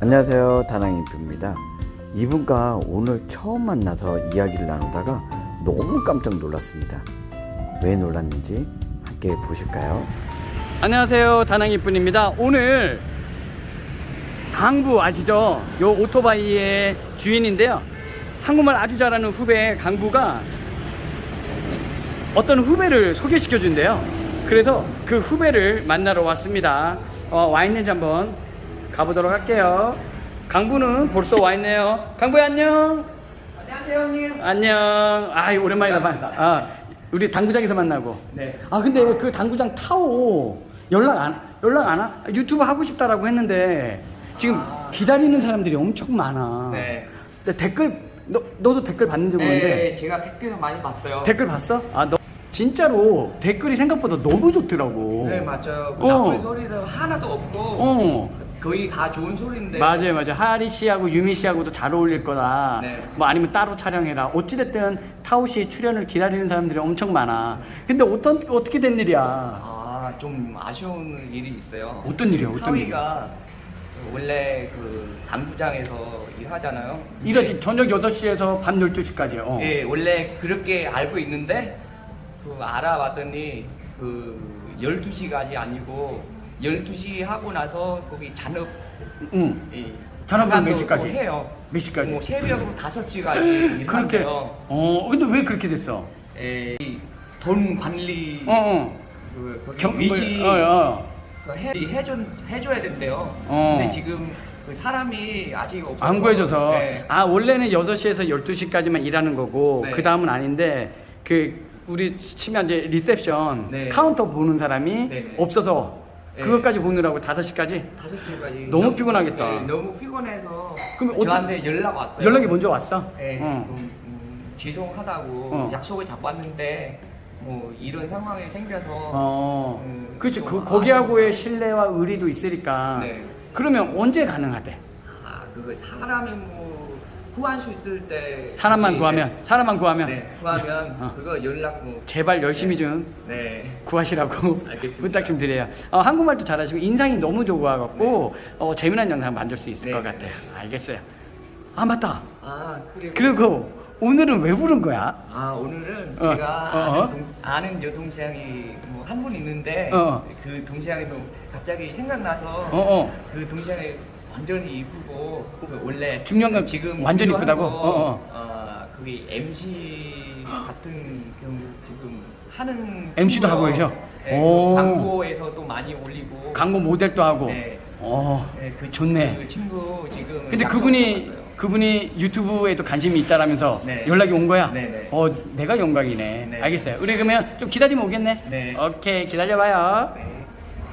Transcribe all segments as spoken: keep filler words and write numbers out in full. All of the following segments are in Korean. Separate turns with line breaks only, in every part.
안녕하세요, 다낭인프입니다. 이분과 오늘 처음 만나서 이야기를 나누다가 너무 깜짝 놀랐습니다. 왜 놀랐는지 함께 보실까요?
안녕하세요, 다낭이뿐입니다. 오늘 강부 아시죠? 요 오토바이의 주인인데요. 한국말 아주 잘하는 후배 강부가 어떤 후배를 소개시켜 준대요. 그래서 그 후배를 만나러 왔습니다. 어, 와 있는지 한번 가보도록 할게요. 강부는 벌써 와 있네요. 강부야, 안녕.
안녕하세요, 형님.
안녕. 아, 오랜만이다. 아, 우리 당구장에서 만나고.
네.
아, 근데 그 당구장 타오 연락 안 연락 안 와? 유튜브 하고 싶다라고 했는데 지금
아.
기다리는 사람들이 엄청 많아.
네.
근데 댓글 너 너도 댓글 봤는지 모르는데
네, 제가 댓글 많이 봤어요.
댓글 봤어? 아, 너 진짜로 댓글이 생각보다 너무 좋더라고.
네, 맞아요.
어.
나쁜 소리도 하나도 없고
어.
거의 다 좋은 소리인데.
맞아요, 맞아요. 하리 씨하고 유미 씨하고도 잘 어울릴 거다.
네.
뭐 아니면 따로 촬영해라. 어찌됐든 타오 씨 출연을 기다리는 사람들이 엄청 많아. 근데 어떤 어떻게 된 일이야?
아, 좀 아쉬운 일이 있어요.
어떤 일이야? 어떤 일?
타위가 원래 그 당구장에서 일하잖아요. 근데
이러지 저녁 여섯 시에서 밤 열두 시까지요. 어.
예, 원래 그렇게 알고 있는데 그 알아봤더니 그 열두 시까지 아니고 열두 시 하고 나서 거기 잔업
응.
이
잔업은 몇
마감도
시까지?
또 해요.
몇 시까지?
뭐 새벽으로 다섯 시까지
그렇게.
일한대요.
어. 근데 왜 그렇게 됐어?
에, 이돈 관리
어, 어.
그 거기
경-
위치
뭐, 어, 어.
그 해, 해줘 해줘야 된대요.
어.
근데 지금 그 사람이 아직 없어서
안 구해줘서.
네.
아, 원래는 여섯 시에서 열두 시까지만 일하는 거고
네.
그 다음은 아닌데 그 우리 치면 이제 리셉션
네.
카운터 보는 사람이
네, 네.
없어서
네.
그것까지 보느라고 다섯 시까지.
다섯 시까지
너무 피곤하겠다.
네, 너무 피곤해서
그럼 어떡-
저한테 연락 왔어요.
연락이 먼저 왔어?
네,
어.
음, 음, 죄송하다고
어.
약속을 잡고 왔는데 뭐 이런 상황이 생겨서
어.
음,
그렇지.
좀
그 거기하고의 신뢰와 의리도 있으니까.
네.
그러면 언제 가능하대?
아, 그거 사람이 뭐 구할 수 있을 때
사람만
다시,
구하면,
네,
사람만 구하면.
네, 구하면
어.
그거 연락 뭐
제발 열심히 좀
네.
구하시라고
알겠습니다.
부탁 좀 드려요. 어, 한국말도 잘하시고 인상이 너무 좋아갖고 어, 재미난 영상 만들 수 있을
네.
것 같아요. 알겠어요. 아, 맞다.
아, 그리고
그리고 오늘은 왜 부른 거야?
아, 오늘은
어,
제가
어, 어.
아는, 동, 아는 여동생이 뭐 한 분 있는데
어.
그 동생이 또 갑자기 생각나서
어, 어.
그 동생이 완전히 이쁘고 그 원래
중년감
지금
완전히
진로하고,
이쁘다고? 어, 어.
어, 거기 엠씨 같은 경우 지금 하는
엠씨도
친구요.
하고 계셔?
네,
오.
그 광고에서 또 많이 올리고
광고 모델도 하고.
네.
어,
네, 그
좋네.
그 친구 지금
근데
약속
그분이
잡았어요.
그분이 유튜브에도 관심이 있다라면서
네.
연락이 온 거야?
네, 네.
어, 내가 영광이네.
네.
알겠어요. 우리 그러면 좀 기다리면 오겠네.
네.
오케이, 기다려봐요.
네.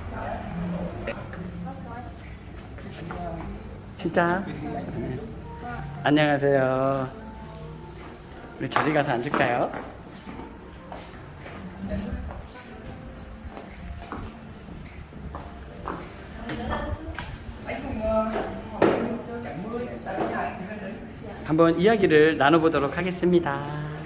진짜. 안녕하세요. 우리 자리 가서 앉을까요? 한번 이야기를 나눠보도록 하겠습니다.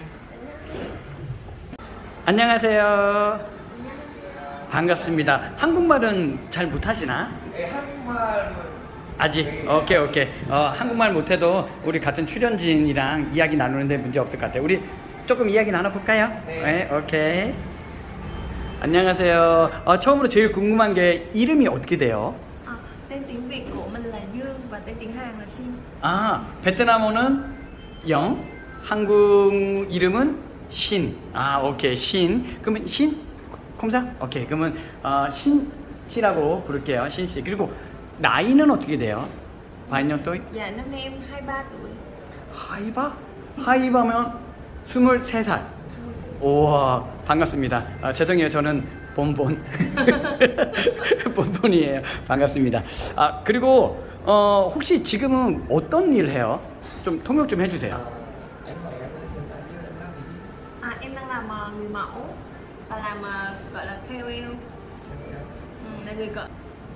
안녕하세요. 반갑습니다. 한국말은 잘 못하시나?
네, 한국말은
아직? 오케이 오케이. 어, 한국말 못해도 우리 같은 출연진이랑 이야기 나누는데 문제 없을 것 같아요. 우리 조금 이야기 나눠볼까요?
네.
오케이. 안녕하세요. 어, 처음으로 제일 궁금한 게 이름이 어떻게 돼요?
À, tên tiếng Việt của mình là Dương và tên tiếng Hàn là Xin.
아, 베트남어는 영, 한국 이름은 신. 아, 오케이. 신. 그러면 신? 콤사? 오케이. 그러면 어, 신 씨라고 부를게요. 신 씨. 그리고 나이는 어떻게 돼요? 반년 또?
Dạ năm nay em hai mươi ba tuổi.
하이바? 하이바면 스물세 살. 우와, 반갑습니다. 아, 죄송해요. 저는 본본. 본본이에요. 반갑습니다. 아, 그리고 어, 혹시 지금은 어떤 일 해요? 좀 통역 좀 해주세요.
À, em đang làm ờ, người mẫu và làm ờ, gọi là ca o lờ. Ừ, là người cỡ.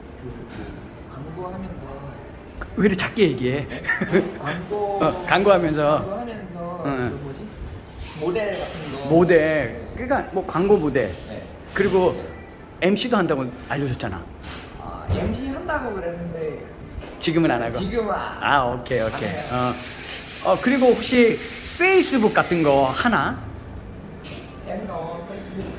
광고하면서
왜 이렇게 작게 얘기해?
광고
어, 광고하면서
광고하면서
응.
그 뭐지 모델 같은 거
모델, 그러니까 뭐 광고 모델,
네.
그리고 엠씨도 한다고 알려줬잖아.
아, 엠씨 한다고 그랬는데
지금은 안 하고.
지금은 아,
아 오케이 오케이.
안 해요.
어, 어 그리고 혹시 페이스북 같은 거 하나?
em có Facebook.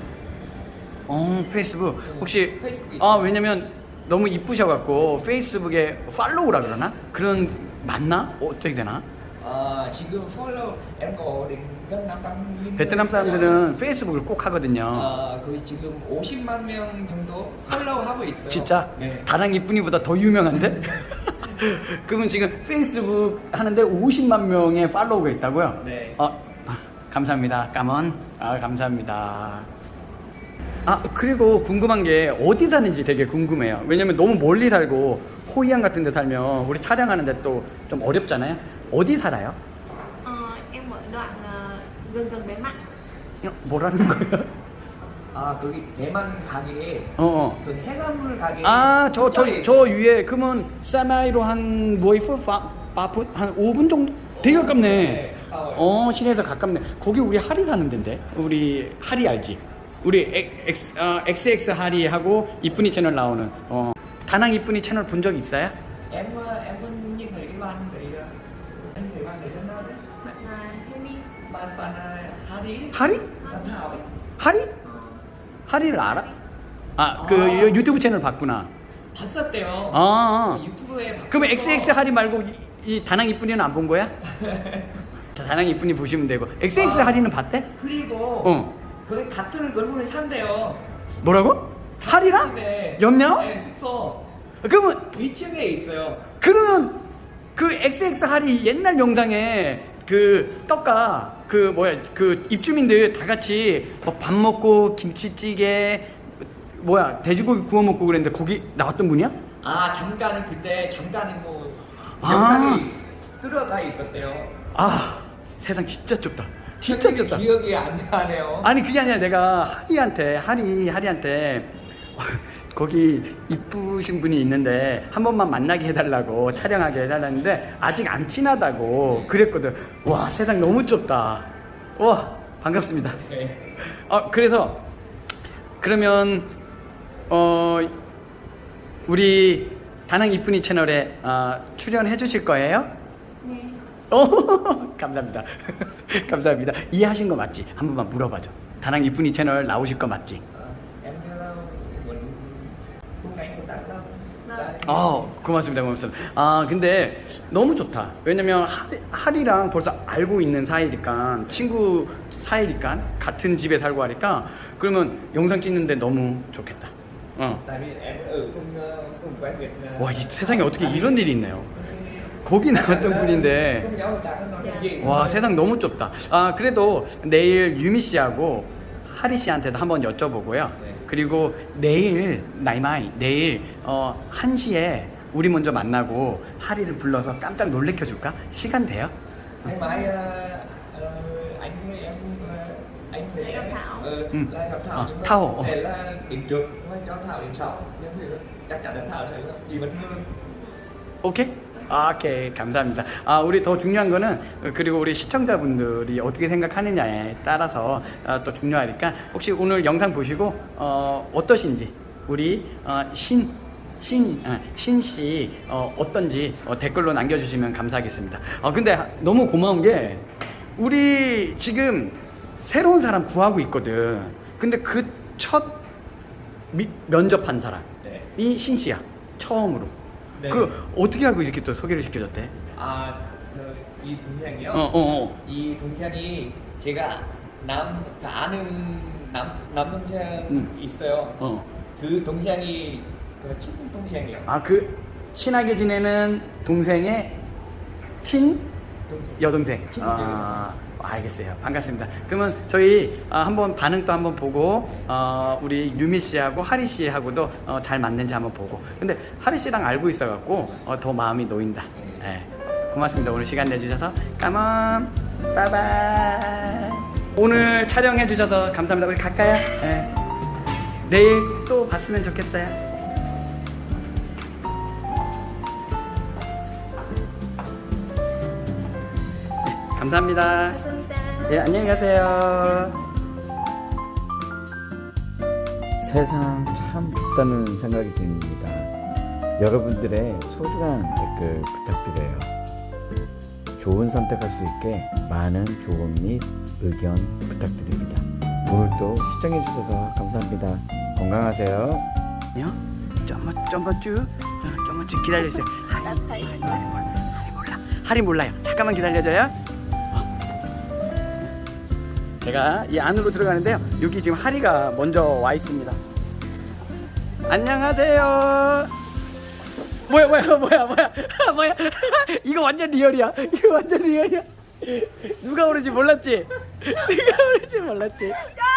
어 페이스북 혹시
페이스북
아 왜냐면 너무 이쁘셔갖고 페이스북에 팔로우라 그러나 그런 맞나 어떻게 되나?
아 지금 follow em có đến gần năm trăm nghìn.
베트남 사람들은 페이스북을 꼭 하거든요.
아 거의 지금 오십만 명 정도 팔로우 하고 있어요.
진짜
네.
다랑 이쁜이보다 더 유명한데? 그러면 지금 페이스북 하는데 오십만 명의 팔로우가 있다고요?
네.
어, 아, 감사합니다. 까먼. 아, 감사합니다. 아, 그리고 궁금한 게 어디 사는지 되게 궁금해요. 왜냐면 너무 멀리 살고 호이안 같은 데 살면 우리 촬영하는데 또 좀 어렵잖아요. 어디 살아요?
Ờ, em ở đoạn ờ, gần gần bế mạc.
어, 뭐라는 거예요?
아 거기 대만 가게에
어, 어.
그 해산물 가게.
아, 저, 저,
근처에
저 위에, 그러면, 사마이로 한, 모이프? 파, 파풋? 한 오 분 정도? 되게 가깝네.
네.
어, 시내에서 가깝네. 거기 우리 하리 사는 데인데? 우리 하리 알지? 우리 엑스, 어, 엑스엑스 하리하고 이쁜이 채널 나오는, 어. 다낭 이쁜이 채널 본 적 있어요?
em ờ, em có những người đi ban đấy anh người ban đấy rất nào đấy
Bạn là Henny.
ban ban Harry
하리?
ban Thảo ấy.
하리? 하리를 알아? 아, 그
아.
유튜브 채널 봤구나.
봤었대요.
아,
유튜브에 봤
그러면 엑스엑스 하리 말고 이, 이 다낭 이쁜이는 안 본 거야? 다낭 이쁜이 보시면 되고. 엑스엑스
아.
하리는 봤대?
그리고
어.
거기 같은 건물에 산대요.
뭐라고? 하리랑?
집에.
옆냐?
네, 숙소
그러면
이 층에 있어요.
그러면 그 엑스엑스 하리 옛날 영상에 그 떡가 그 뭐야 그 입주민들 다 같이 뭐 밥 먹고 김치찌개 뭐야 돼지고기 구워 먹고 그랬는데 거기 나왔던 분이야?
아 잠깐은 그때 잠깐은 뭐
아.
영상이 들어가 있었대요.
아 세상 진짜 좁다. 진짜
근데
좁다.
기억이 안 나네요.
아니 그게 아니라 내가 하리한테 하리 하리한테 거기 이쁘신 분이 있는데 한 번만 만나게 해달라고 촬영하게 해달라는데 아직 안 친하다고 그랬거든. 와 세상 너무 좁다. 와 반갑습니다.
네.
어 그래서 그러면 어 우리 다낭 이쁜이 채널에 어, 출연해 주실 거예요?
Nè.
오, 감사합니다. 감사합니다. 이해하신 거 맞지? 한 번만 물어봐줘. 다낭 이쁜이 채널 나오실 거 맞지?
Em hello mình hôm nay công tác đâu?
Vâng.
아, 고맙습니다. 고맙습니다. 아, 근데 너무 좋다. 왜냐면 하리, 하리랑 벌써 알고 있는 사이니까 친구 사이니까 같은 집에 살고 하니까 그러면 영상 찍는데 너무 좋겠다. 어.
Tại vì em ở cùng ờ, cùng quen Việt. ờ,
와, 이 세상에 어떻게 이런 일이 있네요. 거기 나왔던 분인데
cùng nhau đã nói
Dạ.
gì?
와 세상 너무 좁다. 아 그래도 내일 유미 씨하고 하리 씨한테도 한번 여쭤보고요.
네.
그리고 내일 나이마이 내일 어 한 시에 우리 먼저 만나고 하리를 불러서 깜짝 놀래켜 줄까? 시간 돼요?
Ngày mai ờ, ờ, anh với em ờ, anh với
Sẽ gặp
em
Thảo.
ờ,
Ừ.
là gặp Thảo
Ờ,
nhưng mà
Thảo, ờ.
sẽ là đến trước thôi cho Thảo đến sau. Nhưng thì chắc chắn là Thảo sẽ đi vẫn hơn.
오케이? 아, 오케이 감사합니다. 아 우리 더 중요한 거는 그리고 우리 시청자분들이 어떻게 생각하느냐에 따라서 어, 또 중요하니까 혹시 오늘 영상 보시고 어, 어떠신지 우리 어, 신 신, 아, 신씨 어, 어떤지 어, 댓글로 남겨주시면 감사하겠습니다. 아 근데 너무 고마운 게 우리 지금 새로운 사람 구하고 있거든. 근데 그 첫 면접한 사람이
네.
신씨야. 처음으로.
네.
그 어떻게 알고 이렇게 또 소개를 시켜줬대?
아, 그, 이 동생이요?
어, 어, 어.
이 동생이 제가 남, 그 아는 남, 남동생
음.
있어요.
어.
그 동생이 그 친동생이요.
아, 그 친하게 지내는 동생의 친
동생.
여동생.
친동생.
아, 알겠어요. 반갑습니다. 그러면 저희 아, 한번 반응도 한번 보고 어, 우리 유미 씨하고 하리 씨하고도 어, 잘 맞는지 한번 보고. 근데 하리 씨랑 알고 있어갖고 어, 더 마음이 놓인다. 예. 고맙습니다. 오늘 시간 내주셔서 까먼 바이바이. 오늘 촬영해 주셔서 감사합니다. 우리 갈까요? 예. 내일 또 봤으면 좋겠어요. 감사합니다.
감사합니다.
예, 안녕히 가세요.
세상 참 좁다는 생각이 듭니다. 여러분들의 소중한 댓글 부탁드려요. 좋은 선택할 수 있게 많은 조언 및 의견 부탁드립니다. 오늘도 시청해주셔서 감사합니다. 건강하세요.
아니요. 좀만 좀만 쭉, 어, 좀만 쭉 기다려주세요. 하리, 하리 몰라, 하리 몰라, 하리 몰라요. 잠깐만 기다려줘요. 어. 제가 이 안으로 들어가는데요. 여기 지금 하리가 먼저 와 있습니다. 안녕하세요. 뭐야 뭐야 뭐야 뭐야 뭐야 이거 완전 리얼이야. 이거 완전 리얼이야. 누가 오는지 몰랐지? 누가 오는지 몰랐지?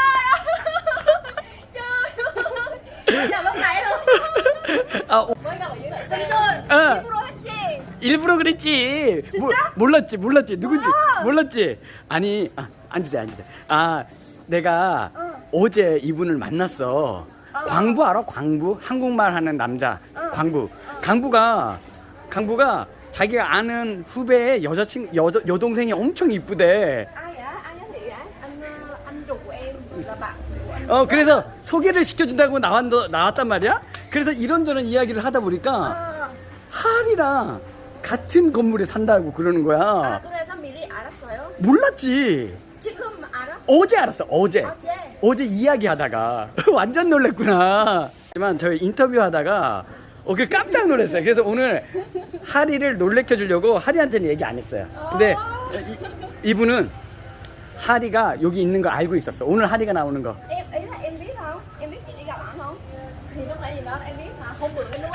Là lúc nãy luôn.
아, 오,
Mới gặp ở dưới lại Sơn.
어.
일부러 했지.
일부러 그랬지. 모, 몰랐지, 몰랐지. 누군지 몰랐지. 아니, 아, 앉으세요, 앉으세요. 아, 내가 어제 이분을 만났어. 광부 알아? 광부? 한국말 하는 남자. 광부. 강부가, 강부가 자기가 아는 후배의 여자친 여 여동생이 엄청 이쁘대.
Ai vậy? Ai giới thiệu vậy? Anh ờ, anh ruột của em là bạn của anh.
어, 그래서 소개를 시켜준다고 나왔, 나왔단 말이야. 그래서 이런저런 이야기를 하다 보니까
Ờ.
하리랑 같은 건물에 산다고 그러는 거야.
아, 그래서 미리 알았어요?
몰랐지.
지금 알아?
어제 알았어. 어제.
어제.
어제 이야기하다가 완전 놀랬구나. 하지만 저희 인터뷰하다가 어, 그 깜짝 놀랐어요. 그래서 오늘 하리를 놀래켜 주려고 하리한테는 얘기 안 했어요. 근데 이, 이분은 하리가 여기 있는 거 알고 있었어. 오늘 하리가 나오는 거.
Em ý là em biết không? Em biết chị đi gặp ảnh không? Thì lúc nãy gì đó em biết mà hôm bữa nó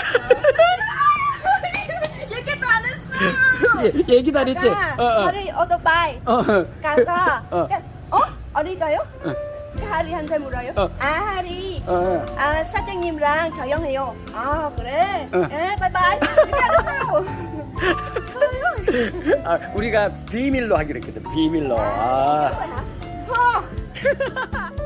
Với cái tên nó sao?
예, 얘기도 안 했지?
아까
어, 어.
하리 오토바이
어.
가서
어.
그- 어? 어디 가요? 그 하리한테 물어요.
어.
아 하리
어.
아 사장님랑 저녁해요. 아 그래?
어.
예 바이바이. 이렇게 알았어요. 저요.
아, 우리가 비밀로 하기로 했거든. 비밀로. 아.
어.